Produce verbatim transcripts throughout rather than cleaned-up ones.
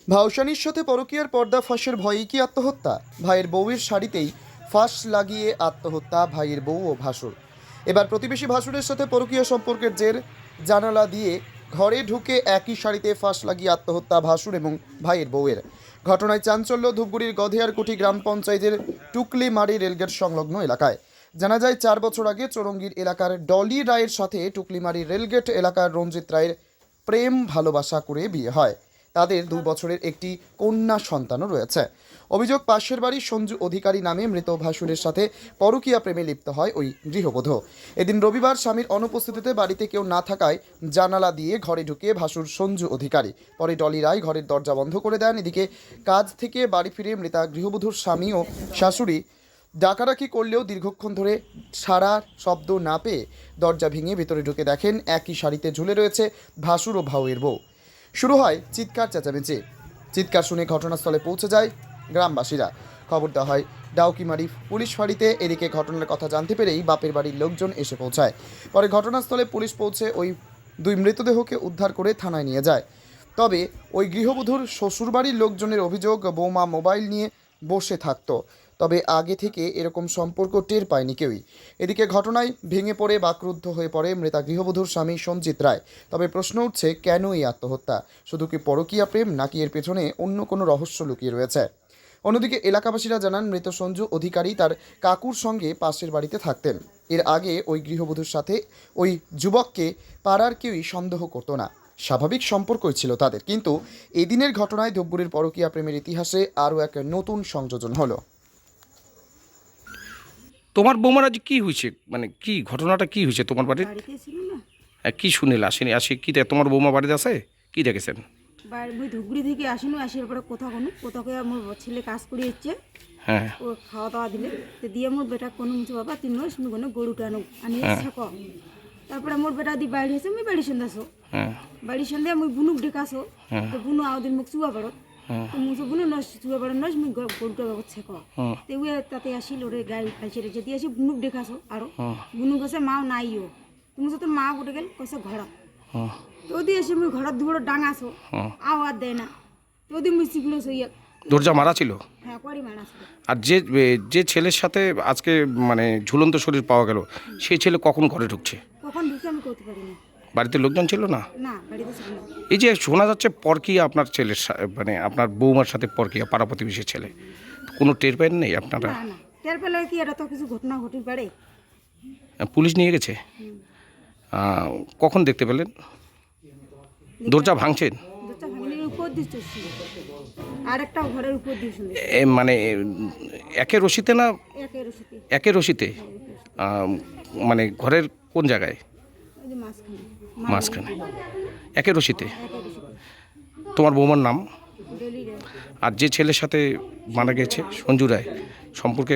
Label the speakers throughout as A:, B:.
A: ভাউসানির সাথে পরকীয়ার পর্দা ফাঁসের ভয়েই কি আত্মহত্যা? ভাইয়ের বউয়ের শাড়িতেই ফাঁস লাগিয়ে আত্মহত্যা ভাইয়ের বউ ও ভাসুর। এবার প্রতিবেশী ভাসুরের সাথে পরকীয়া সম্পর্কের জের জানালা দিয়ে ঘরে ঢুকে একই শাড়িতে ফাঁস লাগিয়ে আত্মহত্যা ভাসুর এবং ভাইয়ের বউয়ের। ঘটনায় চাঞ্চল্য ধূপগুড়ির গধেয়ারকুঠি গ্রাম পঞ্চায়েতের টুকলিমারি রেলগেট সংলগ্ন এলাকায়। জানা যায়, চার বছর আগে চৌরঙ্গীর এলাকার ডলি রায়ের সাথে টুকলিমারি রেলগেট এলাকার রঞ্জিত রায়ের প্রেম ভালোবাসা করে বিয়ে হয়। তাদের দুই বছরের একটি কন্যা সন্তানও রয়েছে। অভিযোগ, পাশের বাড়ির সঞ্জু অধিকারী নামে মৃত ভাসুরের সাথে পরকীয়া প্রেমে লিপ্ত হয় ওই গৃহবধূ। এদিন রবিবার স্বামীর অনুপস্থিতিতে বাড়িতে কেউ না থাকায় জানালা দিয়ে ঘরে ঢুকে ভাসুর সঞ্জু অধিকারী। পরে ডলি রায় ঘরের দরজা বন্ধ করে দেন। এদিকে কাজ থেকে বাড়ি ফিরে মৃতা গৃহবধূর স্বামী ও শাশুড়ি ডাকাডাকি করলেও দীর্ঘক্ষণ ধরে সারা শব্দ না পেয়ে দরজা ভেঙে ভেতরে ঢুকে দেখেন একই শাড়িতে ঝুলে রয়েছে ভাসুর ও ভাউয়ের বউ। শুরু হয় চিৎকার চেঁচামেচি। চিৎকার শুনে ঘটনাস্থলে পৌঁছে যায় গ্রামবাসীরা। খবর দেওয়া হয় ডাউকিমারি পুলিশ ফাঁড়িতে। এদিকে ঘটনার কথা জানতে পেরেই বাপের বাড়ির লোকজন এসে পৌঁছায়। পরে ঘটনাস্থলে পুলিশ পৌঁছে ওই দুই মৃতদেহকে উদ্ধার করে থানায় নিয়ে যায়। তবে ওই গৃহবধূর শ্বশুরবাড়ির লোকজনের অভিযোগ, বৌমা মোবাইল নিয়ে বসে থাকতো, তবে আগে থেকে এরকম সম্পর্ক টের পায়নি কেউই। এদিকে ঘটনায় ভেঙে পড়ে বাকরুদ্ধ হয়ে পড়ে মৃতা গৃহবধূর স্বামী সঞ্জিত রায়। তবে প্রশ্ন উঠছে, কেন এই আত্মহত্যা? শুধু কি পরকীয়া প্রেম, নাকি এর পেছনে অন্য কোনো রহস্য লুকিয়ে রয়েছে? অন্যদিকে এলাকাবাসীরা জানান, মৃত সঞ্জু অধিকারী তার কাকুর সঙ্গে পাশের বাড়িতে থাকতেন। এর আগে ওই গৃহবধূর সাথে ওই যুবককে পাড়ার কেউই সন্দেহ করতো না। স্বাভাবিক সম্পর্কই ছিল তাদের। কিন্তু এদিনের ঘটনায় ধূপগুড়ির পরকীয়া প্রেমের ইতিহাসে আরও এক নতুন সংযোজন হলো।
B: তোমার বৌমার আজ কি হয়েছে, মানে কি ঘটনাটা কি হয়েছে তোমার বাড়ির?
C: বাড়িতে ছিল না,
B: হ্যাঁ, কি শুনিল আসেনি? আসি কি দেখ, তোমার বৌমা বাড়িতে আছে, কি দেখেছেন?
C: বাড়ি ওই ধুপগুড়ি থেকে আসিনি, আসার পরে কোথাও কোনো কোথাও আমার ছেলে কাজ করে এসছে।
B: হ্যাঁ
C: ও খাওয়া দাওয়া দিলে তো দিয়ে মোর বেটা কোনো মুছে বাবা তিন মাস তুমি কোনো গরুটা আনো আনি থাকো। তারপরে মোর বেটা দি বাড়ি এসে আমি বাড়ি সন্ধ্যে আসো,
B: হ্যাঁ
C: বাড়ির সন্ধ্যে আমি বুনুক ডেকাসো। তো বুনু আওদিন মুখ চুয়া পারো, তো মুছে বুনু নস চুয়া পারো নস মুই গরুটা হচ্ছে ক তো ওই তাতে আসিল ওরে গাড়ি ফাইছে রে যদি আসি বুনুক ডেকাসো। আরো বুনু কাছে মাও নাইও, তুমি তো মা গোটে গেল কইছে ঘর। তো ওদি এসে মুই ঘর দুবড় ডাঙাসো, আওয়াজ দেয় না। তো ওদি মুই শিখলো সইয়া
B: দরজা মারা ছিল।
C: হ্যাঁ করি মারা ছিল।
B: আর যে যে ছেলের সাথে আজকে মানে ঝুলন্ত শরীর পাওয়া গেল, সেই ছেলে কখন ঘরে ঢুকছে?
C: কখন ঢুকে আমি করতে পারিনি।
B: বাড়িতে লোকজন ছিল না?
C: না বাড়িতে ছিল না।
B: এই যে শোনা যাচ্ছে পরকীয়া আপনার ছেলের সা- মানে আপনার বৌমার সাথে পরকীয়া, পাড়া প্রতিবেশীর ছেলে, কোনো টের পান নেই আপনারা?
C: না না টের পেলে কি এটা তো কিছু ঘটনা ঘটে পারে।
B: পুলিশ নিয়ে গেছে? আহ, কখন দেখতে পেলেন? দরজা ভাঙছেন?
C: দরজা ভাঙির উপর দিয়ে চলছিল, আর একটা ঘরের উপর দিয়ে শুনে
B: এ মানে একে রশিতে না
C: একের রশিতে
B: একে রশিতে আহ, মানে ঘরের কোন জায়গায়?
C: ওই যে মাঝখানে
B: মাঝখানে একে রশিতে।
C: একের রশিতে
B: তোমার বৌমার নাম?
C: ডেলি রে
B: আর যে ছেলের সাথে মারা গেছে সঞ্জু রায়, সম্পর্কে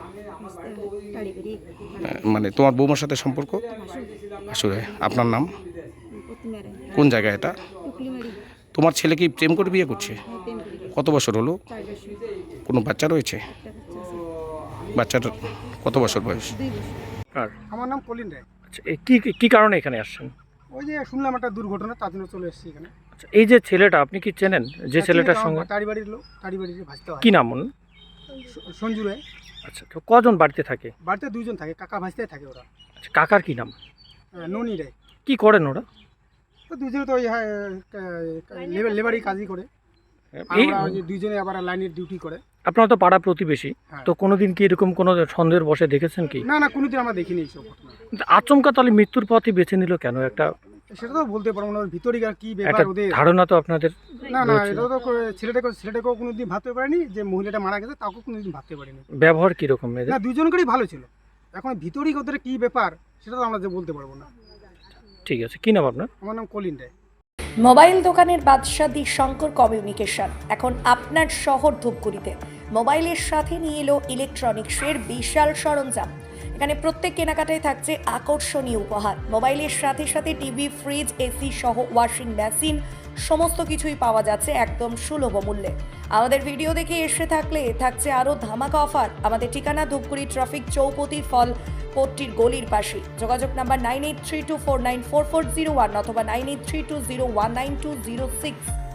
C: টাড়ি বেরি
B: আহ, মানে তোমার বৌমার সাথে সম্পর্ক আসলে? আপনার নাম?
C: প্রতিমারে
B: কোন জায়গায় এটা?
C: টুকলি মারি
B: তোমার ছেলে কি প্রেম করে বিয়ে করছে?
C: হ্যাঁ প্রেম করি
B: কত বছর হলো?
C: চার বছর
B: কোনো বাচ্চা রয়েছে?
C: একটা বাচ্চা আছে
B: বাচ্চাটার কত বছর বয়স?
C: দুই বছর।
D: কার?
E: আমার নাম কলিন রায়।
D: আচ্ছা, এই কি কি কারণে এখানে আসছেন?
E: ওই যে শুনলাম একটা দুর্ঘটনা, তার জন্য চলে এসেছি এখানে।
D: আচ্ছা, এই যে ছেলেটা আপনি কি চেনেন, যে ছেলেটার সঙ্গে?
E: তারি বাড়ির লোক, তারি বাড়ির ভাসতে হয়।
D: কি নাম ওর?
E: স- সঞ্জু রায়।
D: আচ্ছা, তো কজন বাড়িতে থাকে?
E: বাড়িতে দুইজন থাকে, কাকা ভাসতে থাকে ওরা।
D: আচ্ছা, কাকার কি নাম?
E: আহ, ননি রায়।
D: কি করেন ওরা?
E: তো দুজনে তো ওই হ্যাঁ, কা- লেবার- লেবারি কাজই করে। আর
D: এই
E: ওরা ওই যে দুইজনে আবার লাইনের ডিউটি করে।
D: আপনারা তো পাড়া প্রতিবেশী,
E: হ্যাঁ।
D: তো কোনোদিন কি এরকম কোনো সন্দেহের বসে দেখেছেন কি?
E: না না, কোনোদিন আমরা দেখিনি এইসব ঘটনা।
D: কিন্তু আচমকা তাহলে মৃত্যুর পথই বেছে নিল কেন? একটা
E: সেটা তো বলতে পারবো না, ওর ভিতরে আর কি
D: একটা
E: ব্যাপার ওদের।
D: ধারণা তো আপনাদের
E: না না,
D: রয়েছে।
E: এটা তো করে- ছেলেটাকে ছেলেটাকেও কোনোদিন ভাবতে পারেনি, যে মহিলাটা মারা গেছে তাকেও কোনোদিন ভাবতে পারিনি।
D: ব্যবহার কিরকম এদের?
E: না, দুজনকেই ভালো ছিল। এখন ভিতরেই ওদের কি ব্যাপার সেটা তো আমরা যে বলতে পারবো না।
D: ঠিক আছে, কি নাম আপনার?
E: আমার নাম কলিন রায়।
F: মোবাইল দোকানের বাদশা দি শঙ্কর কমিউনিকেশন এখন আপনার শহর ধূপগুড়িতে মোবাইলের সাথে নিয়ে এলো ইলেকট্রনিক্সের বিশাল সরঞ্জাম। এখানে প্রত্যেক কেনাকাটায় থাকছে আকর্ষণীয় উপহার। মোবাইলের সাথে সাথে টিভি, ফ্রিজ, এসি সহ ওয়াশিং মেশিন সমস্ত কিছুই পাওয়া যাচ্ছে একদম সুলভ মূল্যে। আমাদের ভিডিও দেখে এসে থাকলে থাকছে আরও ধামাকা অফার। আমাদের ঠিকানা ধূপগুড়ি ট্রাফিক চৌপতি ফল কোর্টটির গলির পাশে। যোগাযোগ number nine eight three two four nine four four zero one অথবা nine eight three two zero one nine two zero six.